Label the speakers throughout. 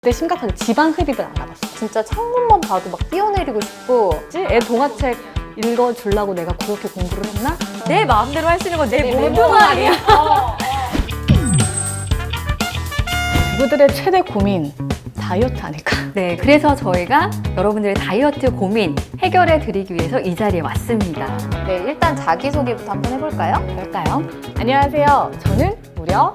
Speaker 1: 근데 심각하게 지방 흡입은 안 나갔어.
Speaker 2: 진짜 창문만 봐도 막 뛰어내리고 싶고.
Speaker 1: 애 동화책 읽어주려고 내가 그렇게 공부를 했나?
Speaker 3: 내 마음대로 할 수 있는 건 내 몸
Speaker 2: 몸
Speaker 3: 아니야.
Speaker 1: 부부들의 최대 고민, 다이어트 아닐까?
Speaker 3: 네, 그래서 저희가 여러분들의 다이어트 고민 해결해 드리기 위해서 이 자리에 왔습니다.
Speaker 2: 네, 일단 자기소개부터 한번 해볼까요?
Speaker 1: 그럴까요? 안녕하세요. 저는 무려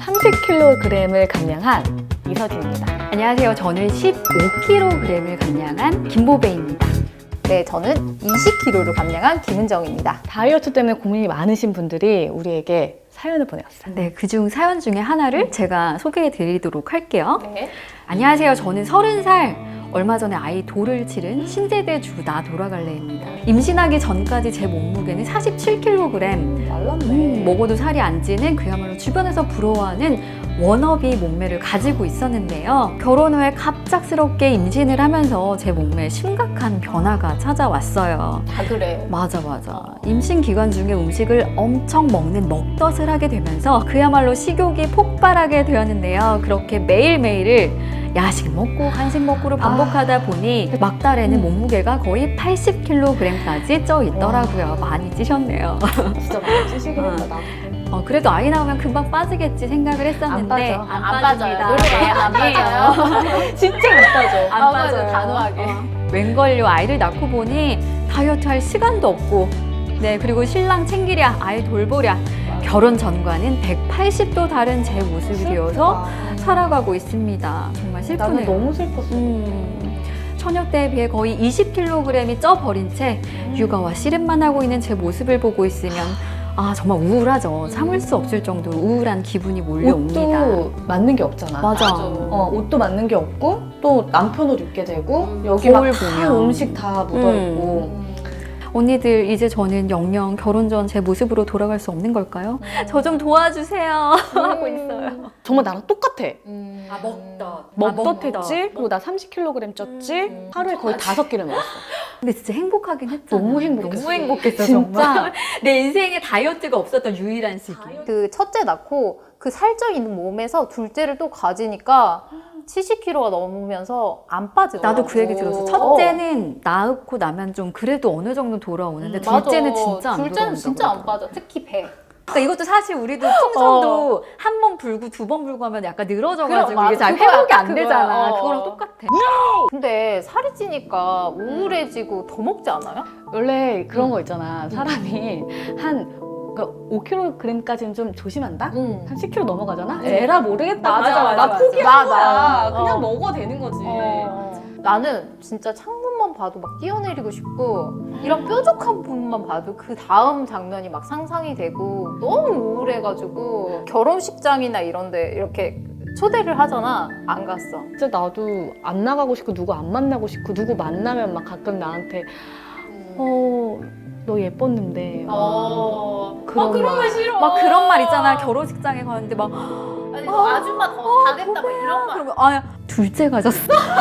Speaker 1: 30kg을 감량한 이서진입니다.
Speaker 3: 안녕하세요. 저는 15kg을 감량한 김보배입니다.
Speaker 2: 네, 저는 20kg를 감량한 김은정입니다.
Speaker 1: 다이어트 때문에 고민이 많으신 분들이 우리에게 사연을 보내왔어요.
Speaker 3: 네, 그중 사연 중에 하나를 제가 소개해 드리도록 할게요.
Speaker 2: 네.
Speaker 3: 안녕하세요. 저는 30살. 얼마 전에 아이 돌을 치른 신세대 주 나 돌아갈래입니다. 임신하기 전까지 제 몸무게는 47kg.
Speaker 2: 말랐네.
Speaker 3: 먹어도 살이 안 찌는 그야말로 주변에서 부러워하는 워너비 몸매를 가지고 있었는데요. 결혼 후에 갑작스럽게 임신을 하면서 제 몸매에 심각한 변화가 찾아왔어요.
Speaker 2: 다 그래.
Speaker 3: 맞아. 임신 기간 중에 음식을 엄청 먹는 먹덧을 하게 되면서 그야말로 식욕이 폭발하게 되었는데요. 그렇게 매일매일을 야식 먹고 간식 먹고를 반복하다 보니 막달에는 몸무게가 거의 80kg까지 쪄 있더라고요. 많이 찌셨네요.
Speaker 1: 진짜 많이 찌시긴 했다, 나도.
Speaker 3: 그래도 아이 나오면 금방 빠지겠지 생각을 했었는데
Speaker 1: 안
Speaker 2: 안
Speaker 3: 빠집니다.
Speaker 2: 빠져요.
Speaker 3: 네,
Speaker 2: 안
Speaker 3: 아니에요.
Speaker 1: 진짜 못 빠져.
Speaker 3: 안 빠져요.
Speaker 2: 단호하게.
Speaker 3: 웬걸요, 아이를 낳고 보니 다이어트 할 시간도 없고, 네, 그리고 신랑 챙기랴, 아이 돌보랴, 결혼 전과는 180도 다른 제 모습이 되어서 살아가고 있습니다. 정말
Speaker 1: 나는
Speaker 3: 슬프네요.
Speaker 1: 너무 슬펐어.
Speaker 3: 처녀 때에 비해 거의 20kg이 쪄버린 채 육아와 씨름만 하고 있는 제 모습을 보고 있으면 정말 우울하죠. 참을 수 없을 정도로 우울한 기분이 몰려옵니다.
Speaker 1: 옷도 맞는 게 없잖아.
Speaker 3: 맞아.
Speaker 1: 옷도 맞는 게 없고 또 남편 옷 입게 되고 여기
Speaker 3: 거울
Speaker 1: 막 다
Speaker 3: 보면.
Speaker 1: 음식 다 묻어있고
Speaker 3: 언니들, 이제 저는 영영 결혼 전 제 모습으로 돌아갈 수 없는 걸까요? 저 좀 도와주세요. 하고 있어요.
Speaker 1: 정말 나랑 똑같아.
Speaker 3: 먹덧.
Speaker 1: 먹덧했지? 그리고 나 30kg 쪘지? 하루에 거의 5끼를 먹었어.
Speaker 3: 근데 진짜 행복하긴 했잖아.
Speaker 1: 너무 행복했어.
Speaker 3: 너무 행복했어,
Speaker 1: 진짜.
Speaker 3: 정말. 내 인생에 다이어트가 없었던 유일한 시기.
Speaker 2: 그 첫째 낳고 그 살쪄 있는 몸에서 둘째를 또 가지니까 70kg가 넘으면서 안 빠지더라고.
Speaker 3: 나도 그 얘기 들었어. 첫째는 낳고 나면 좀 그래도 어느 정도 돌아오는데 둘째는 진짜 안
Speaker 2: 둘째는 진짜 안
Speaker 3: 돌아온다고
Speaker 2: 빠져. 특히 배.
Speaker 3: 그러니까 이것도 사실 우리도 풍선도 한 번 불고 두 번 불고 하면 약간 늘어져가지고
Speaker 2: 그래, 맞아.
Speaker 3: 이게 잘
Speaker 2: 그거야,
Speaker 3: 회복이
Speaker 2: 딱
Speaker 3: 안
Speaker 2: 그거야.
Speaker 3: 되잖아. 그거랑 똑같아.
Speaker 2: 근데 살이 찌니까 우울해지고 더 먹지 않아요?
Speaker 1: 원래 그런 거 있잖아. 사람이 한 5kg까지는 좀 조심한다? 한 10kg 넘어가잖아? 에라 모르겠다.
Speaker 2: 맞아.
Speaker 1: 나 포기한 거야.
Speaker 2: 맞아.
Speaker 1: 그냥 먹어도 되는 거지.
Speaker 2: 나는 진짜 창문만 봐도 막 뛰어내리고 싶고 이런 뾰족한 부분만 봐도 그 다음 장면이 막 상상이 되고 너무 우울해가지고 결혼식장이나 이런데 이렇게 초대를 하잖아. 안 갔어.
Speaker 1: 진짜 나도 안 나가고 싶고 누구 안 만나고 싶고 누구 만나면 막 가끔 나한테 너 예뻤는데 그런 말.
Speaker 2: 싫어.
Speaker 3: 막 그런 말 있잖아. 결혼식장에 가는데 막
Speaker 2: 아니, 너 아줌마 다 됐다 막 이런 말.
Speaker 3: 그러면 둘째 가졌어.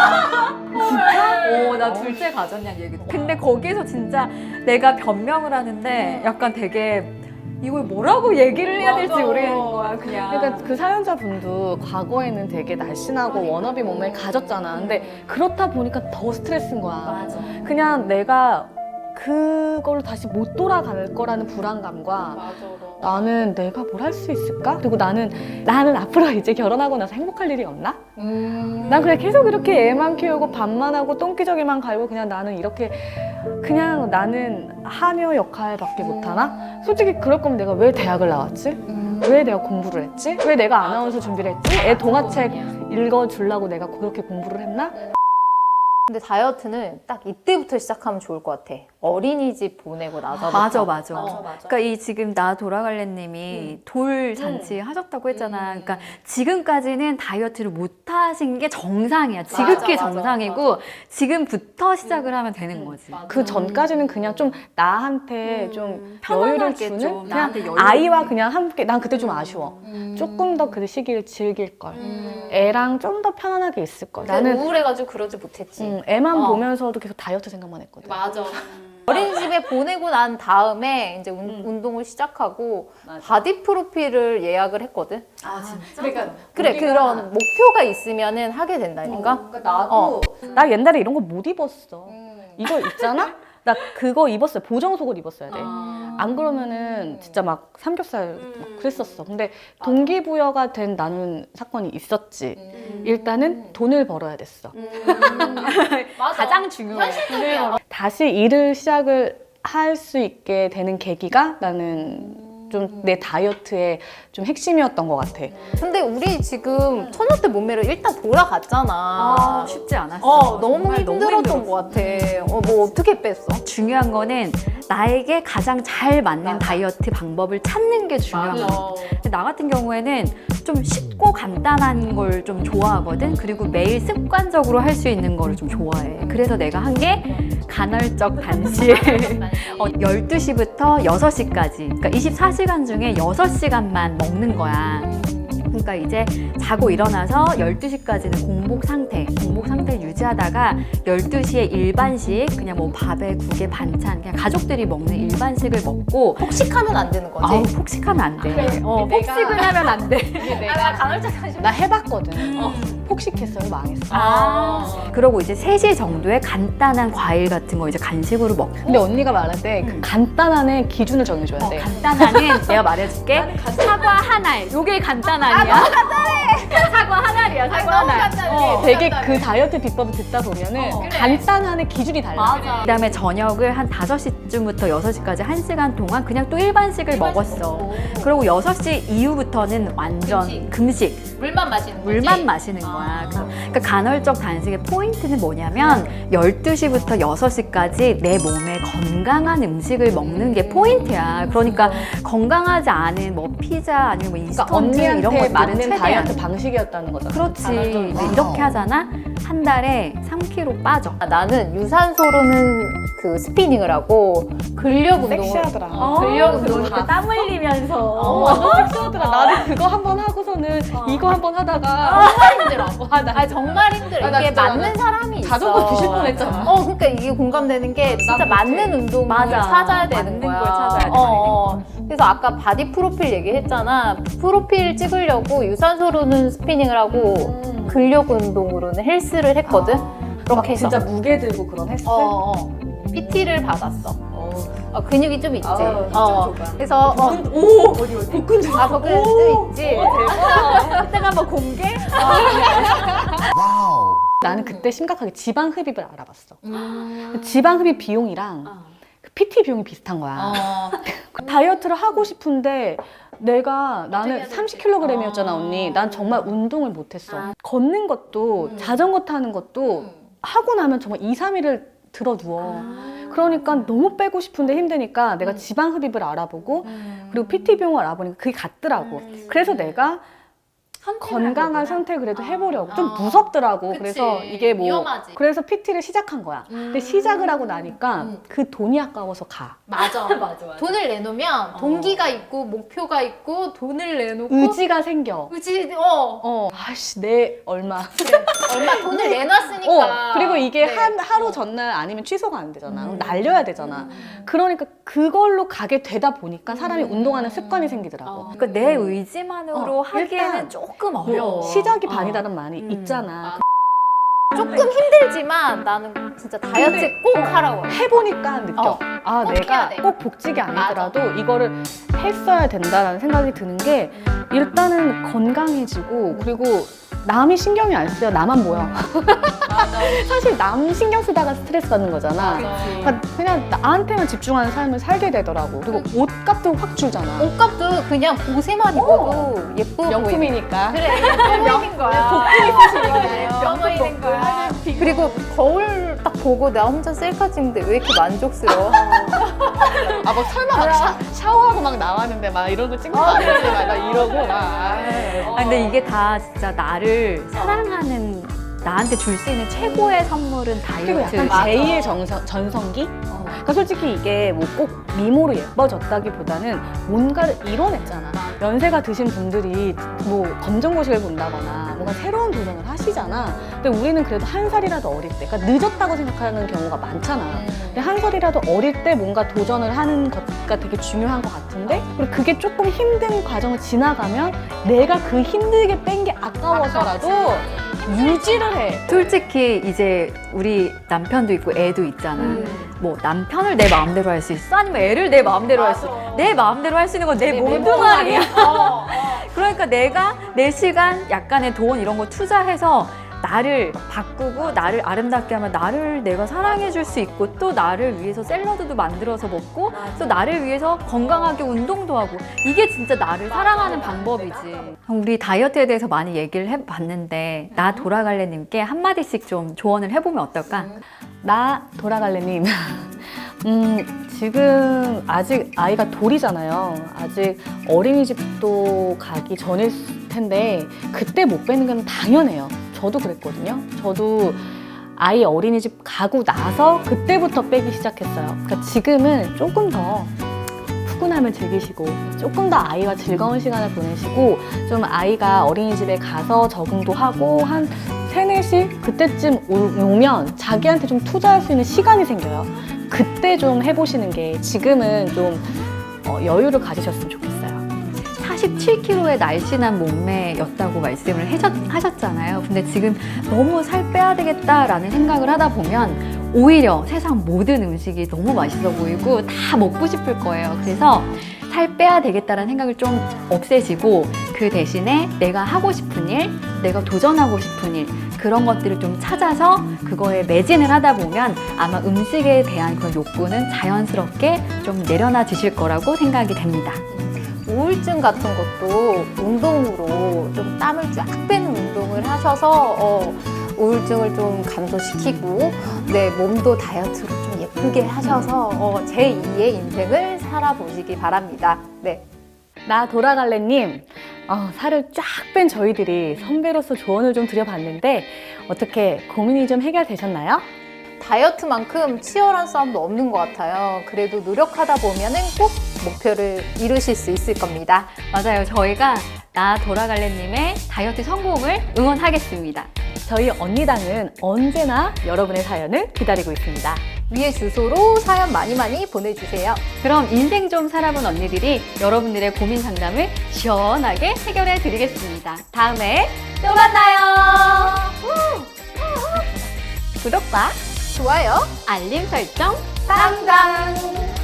Speaker 3: 진짜? 나 둘째 가졌냐는 얘기. 근데 거기서 진짜 내가 변명을 하는데 약간 되게 이걸 뭐라고 얘기를 해야 될지
Speaker 2: 맞아.
Speaker 3: 모르겠는 거야, 그냥.
Speaker 1: 그러니까 그 사연자분도 과거에는 되게 날씬하고 워너비 몸매를 가졌잖아. 근데 그렇다 보니까 더 스트레스인 거야.
Speaker 2: 맞아.
Speaker 1: 그냥 내가 그걸로 다시 못 돌아갈 거라는 불안감과
Speaker 2: 맞아.
Speaker 1: 나는 내가 뭘 할 수 있을까? 그리고 나는 앞으로 이제 결혼하고 나서 행복할 일이 없나? 난 그냥 계속 이렇게 애만 키우고 밥만 하고 똥기저귀만 갈고 그냥 나는 이렇게 그냥 나는 하녀 역할밖에 못하나? 솔직히 그럴 거면 내가 왜 대학을 나왔지? 왜 내가 공부를 했지? 왜 내가 아나운서 준비를 했지? 애 동화책 읽어주려고 내가 그렇게 공부를 했나?
Speaker 2: 근데 다이어트는 딱 이때부터 시작하면 좋을 것 같아. 어린이집 보내고 나서부터.
Speaker 3: 맞아. 그러니까 이 지금 나 돌아갈래님이 돌 잔치 하셨다고 했잖아. 그러니까 지금까지는 다이어트를 못 하신 게 정상이야. 지극히
Speaker 2: 맞아.
Speaker 3: 정상이고 지금부터 시작을 하면 되는 거지.
Speaker 1: 그 전까지는 그냥 좀 나한테 좀 여유를
Speaker 3: 편안하게
Speaker 1: 주는
Speaker 3: 좀
Speaker 1: 그냥
Speaker 3: 나한테 여유를
Speaker 1: 아이와
Speaker 3: 주는.
Speaker 1: 그냥 함께 난 그때 좀 아쉬워. 조금 더 그 시기를 즐길 걸. 애랑 좀 더 편안하게 있을 걸.
Speaker 2: 나는
Speaker 1: 나는
Speaker 2: 우울해가지고 그러지 못했지.
Speaker 1: 애만 보면서도 계속 다이어트 생각만 했거든.
Speaker 2: 맞아. 어린이집에 보내고 난 다음에 이제 운동을 시작하고 바디 프로필을 예약을 했거든.
Speaker 3: 아 진짜?
Speaker 1: 그러니까
Speaker 2: 그래 그런 목표가 있으면은 하게 된다니까.
Speaker 1: 그러니까 나도 나 옛날에 이런 거 못 입었어. 이거 있잖아? 나 그거 입었어요. 보정 속옷 입었어야 돼. 안 그러면은 진짜 막 삼겹살 막 그랬었어. 근데 동기부여가 된 나는 사건이 있었지. 일단은 돈을 벌어야 됐어.
Speaker 3: 가장 중요해.
Speaker 1: 다시 일을 시작을 할 수 있게 되는 계기가 나는 좀 내 다이어트의 좀 핵심이었던 것 같아.
Speaker 2: 근데 우리 지금 처녀 때 몸매로 일단 돌아갔잖아.
Speaker 3: 쉽지 않았어.
Speaker 2: 너무
Speaker 3: 정말
Speaker 2: 힘들었던 것 같아. 뭐 어떻게 뺐어?
Speaker 3: 중요한 거는 나에게 가장 잘 맞는 다이어트 방법을 찾는 게 중요한 거야. 근데 나 같은 경우에는 좀 쉽고 간단한 걸 좀 좋아하거든. 그리고 매일 습관적으로 할 수 있는 거를 좀 좋아해. 그래서 내가 한 게 간헐적 단식. 12시부터 6시까지. 그러니까 24시간 중에 6시간만 먹는 거야. 그러니까 이제 자고 일어나서 12시까지는 공복 상태를 유지하다가 12시에 일반식, 그냥 뭐 밥에 국에 반찬, 그냥 가족들이 먹는 일반식을 먹고.
Speaker 2: 폭식하면 안 되는 거지?
Speaker 3: 아우, 폭식하면 안 돼. 폭식을 하면 안 돼.
Speaker 2: 내가 간헐적 단식.
Speaker 1: 나 해봤거든. 폭식했어요. 망했어.
Speaker 3: 그러고 이제 3시 정도에 간단한 과일 같은 거 이제 간식으로 먹고.
Speaker 1: 근데 언니가 말할 때 그 간단한의 기준을 정해줘야 돼.
Speaker 3: 간단하는 내가 말해줄게. 사과 한 알. 요게 간단한이야. 사과 한 알이야. 사과 한 알.
Speaker 1: 되게 그 다이어트 비법을 듣다 보면은 간단한의 기준이 달라.
Speaker 3: 그다음에 저녁을 한 5시쯤부터 6시까지 1시간 동안 그냥 또 일반식을 먹었어. 그리고 6시 이후부터는 완전 금식.
Speaker 2: 물만 마시는 거지?
Speaker 3: 물만 마시는 거야. 그러니까 간헐적 단식의 포인트는 뭐냐면 12시부터 6시까지 내 몸에 건강한 음식을 먹는 게 포인트야. 그러니까 건강하지 않은 뭐 피자 아니면 뭐
Speaker 1: 그러니까
Speaker 3: 인스턴트 이런
Speaker 1: 언니한테
Speaker 3: 것들은
Speaker 1: 맞는
Speaker 3: 최대한.
Speaker 1: 다이어트 방식이었다는 거잖아.
Speaker 3: 그렇지. 이제 이렇게 하잖아. 한 달에 3kg 빠져.
Speaker 2: 나는 유산소로는 그 스피닝을 하고 근력 운동을
Speaker 1: 섹시하더라.
Speaker 2: 근력 운동을
Speaker 3: 땀 흘리면서.
Speaker 1: 완전 섹시하더라. 나도 그거 한 번 하고서는 이거 한 번 하다가
Speaker 2: 정말 힘들어.
Speaker 1: 나
Speaker 2: 정말 힘들어.
Speaker 1: 나
Speaker 2: 이게
Speaker 1: 진짜
Speaker 2: 맞는 사람이 있어.
Speaker 1: 자전거 뒤질 뻔했잖아.
Speaker 2: 그러니까 이게 공감되는 게 진짜 맞는 운동을
Speaker 3: 맞아.
Speaker 2: 찾아야 되는
Speaker 3: 맞는
Speaker 2: 거야.
Speaker 3: 걸 찾아야 돼.
Speaker 2: 그래서 아까 바디 프로필 얘기했잖아. 프로필 찍으려고 유산소로는 스피닝을 하고 근력 운동으로는 헬스를 했거든. 그렇게 해서
Speaker 1: 진짜 무게 들고 그런 헬스?
Speaker 2: PT를 받았어. 근육이 좀 있지.
Speaker 1: 어.
Speaker 2: 그래서
Speaker 1: 오! 어디 복근 좀
Speaker 2: 복근 좀 있지.
Speaker 3: 그때가 한번 공개?
Speaker 1: 나는 그때 심각하게 지방 흡입을 알아봤어. 지방 흡입 비용이랑 그 PT 비용이 비슷한 거야. 그 다이어트를 하고 싶은데 나는 30kg이었잖아, 언니. 난 정말 운동을 못했어. 걷는 것도 자전거 타는 것도 하고 나면 정말 2, 3일을 들어 누워. 그러니까 너무 빼고 싶은데 힘드니까 내가 지방 흡입을 알아보고 그리고 PT 비용을 알아보니까 그게 같더라고. 그래서 내가 건강한 선택을 그래도 해보려고. 좀 무섭더라고. 그래서 이게 뭐
Speaker 2: 위험하지.
Speaker 1: 그래서 PT를 시작한 거야. 근데 시작을 하고 나니까 그 돈이 아까워서 가.
Speaker 2: 맞아. 돈을 내놓으면 동기가 있고 목표가 있고 돈을 내놓고
Speaker 1: 의지가 생겨.
Speaker 2: 의지
Speaker 1: 아씨 내 얼마.
Speaker 2: 얼마 돈을 내놨으니까.
Speaker 1: 그리고 이게
Speaker 2: 네.
Speaker 1: 하루 전날 아니면 취소가 안 되잖아. 그럼 날려야 되잖아. 그러니까 그걸로 가게 되다 보니까 사람이 운동하는 습관이 생기더라고.
Speaker 3: 그러니까 내 의지만으로 하기에는
Speaker 1: 일단
Speaker 3: 조금 어려워.
Speaker 1: 시작이 반이라는 말이 있잖아.
Speaker 2: 조금 힘들지만 나는 진짜 다이어트 꼭 하라고 해.
Speaker 1: 해보니까 느껴. 아,
Speaker 2: 꼭
Speaker 1: 내가
Speaker 2: 해야 돼.
Speaker 1: 꼭 복직이 아니더라도 이거를 했어야 된다라는 생각이 드는 게 일단은 건강해지고 그리고 남이 신경이 안 쓰여. 나만 보여. 사실 남 신경 쓰다가 스트레스 받는 거잖아. 그러니까 그냥 나한테만 집중하는 삶을 살게 되더라고. 그리고 옷값도 확 줄잖아.
Speaker 2: 옷값도 그냥 보세만 입어도 예뻐 보이는
Speaker 1: 명품이니까.
Speaker 2: 그래 명품인 거야. 명품인 거야. 그리고 거울 딱 보고 나 혼자 셀카 찍는데 왜 이렇게 만족스러워?
Speaker 1: 아, 막 설마 막 샤워하고 막 나왔는데 막 이런 거 찍는 거 아니지? 막 이러고 막.
Speaker 3: 근데 이게 다 진짜 나를 사랑하는 나한테 줄 수 있는 최고의 선물은
Speaker 1: 그리고
Speaker 3: 다이어트.
Speaker 1: 약간 제2의 전성기? 그러니까 솔직히 이게 뭐 꼭 미모로 예뻐졌다기보다는 뭔가를 이뤄냈잖아. 연세가 드신 분들이 뭐 검정고시를 본다거나 뭔가 새로운 도전을 하시잖아. 근데 우리는 그래도 한 살이라도 어릴 때, 그러니까 늦었다고 생각하는 경우가 많잖아. 근데 한 살이라도 어릴 때 뭔가 도전을 하는 것가 되게 중요한 것 같은데, 그리고 그게 조금 힘든 과정을 지나가면 내가 그 힘들게 뺀 게 아까워서라도 유지를 해.
Speaker 3: 솔직히 이제 우리 남편도 있고 애도 있잖아. 뭐 남편을 내 마음대로 할 수 있어? 아니면 애를 내 마음대로 할 수 있어? 내 마음대로 할 수 있는 건 내 몸뚱아리야. 그러니까 내가 내 시간, 약간의 돈 이런 거 투자해서 나를 바꾸고 나를 아름답게 하면 나를 내가 사랑해 줄 수 있고 또 나를 위해서 샐러드도 만들어서 먹고 또 나를 위해서 건강하게 운동도 하고 이게 진짜 나를 사랑하는 방법이지. 우리 다이어트에 대해서 많이 얘기를 해봤는데 나 돌아갈래님께 한마디씩 좀 조언을 해보면 어떨까?
Speaker 1: 나 돌아갈래님. 지금 아직 아이가 돌이잖아요. 아직 어린이집도 가기 전일 텐데 그때 못 빼는 건 당연해요. 저도 그랬거든요. 저도 아이 어린이집 가고 나서 그때부터 빼기 시작했어요. 그러니까 지금은 조금 더 푸근함을 즐기시고 조금 더 아이와 즐거운 시간을 보내시고 좀 아이가 어린이집에 가서 적응도 하고 한 3, 4시 그때쯤 오면 자기한테 좀 투자할 수 있는 시간이 생겨요. 그때 좀 해보시는 게 지금은 좀 여유를 가지셨으면 좋겠어요.
Speaker 3: 47kg의 날씬한 몸매였다고 말씀을 하셨잖아요. 근데 지금 너무 살 빼야 되겠다라는 생각을 하다 보면 오히려 세상 모든 음식이 너무 맛있어 보이고 다 먹고 싶을 거예요. 그래서 살 빼야 되겠다라는 생각을 좀 없애시고 그 대신에 내가 하고 싶은 일, 내가 도전하고 싶은 일 그런 것들을 좀 찾아서 그거에 매진을 하다 보면 아마 음식에 대한 그런 욕구는 자연스럽게 좀 내려놔지실 거라고 생각이 됩니다.
Speaker 2: 우울증 같은 것도 운동으로 좀 땀을 쫙 빼는 운동을 하셔서 우울증을 좀 감소시키고 내 몸도 다이어트로 좀 예쁘게 하셔서 제2의 인생을 살아보시기 바랍니다. 네.
Speaker 1: 나 돌아갈래님, 살을 쫙 뺀 저희들이 선배로서 조언을 좀 드려봤는데 어떻게 고민이 좀 해결되셨나요?
Speaker 2: 다이어트만큼 치열한 싸움도 없는 것 같아요. 그래도 노력하다 보면은 꼭 목표를 이루실 수 있을 겁니다.
Speaker 3: 맞아요. 저희가 나 돌아갈래님의 다이어트 성공을 응원하겠습니다.
Speaker 1: 저희 언니당은 언제나 여러분의 사연을 기다리고 있습니다.
Speaker 2: 위에 주소로 사연 많이 보내주세요.
Speaker 3: 그럼 인생 좀 살아본 언니들이 여러분들의 고민 상담을 시원하게 해결해 드리겠습니다. 다음에 또 만나요.
Speaker 2: 구독과 좋아요,
Speaker 3: 알림 설정
Speaker 2: 짱짱!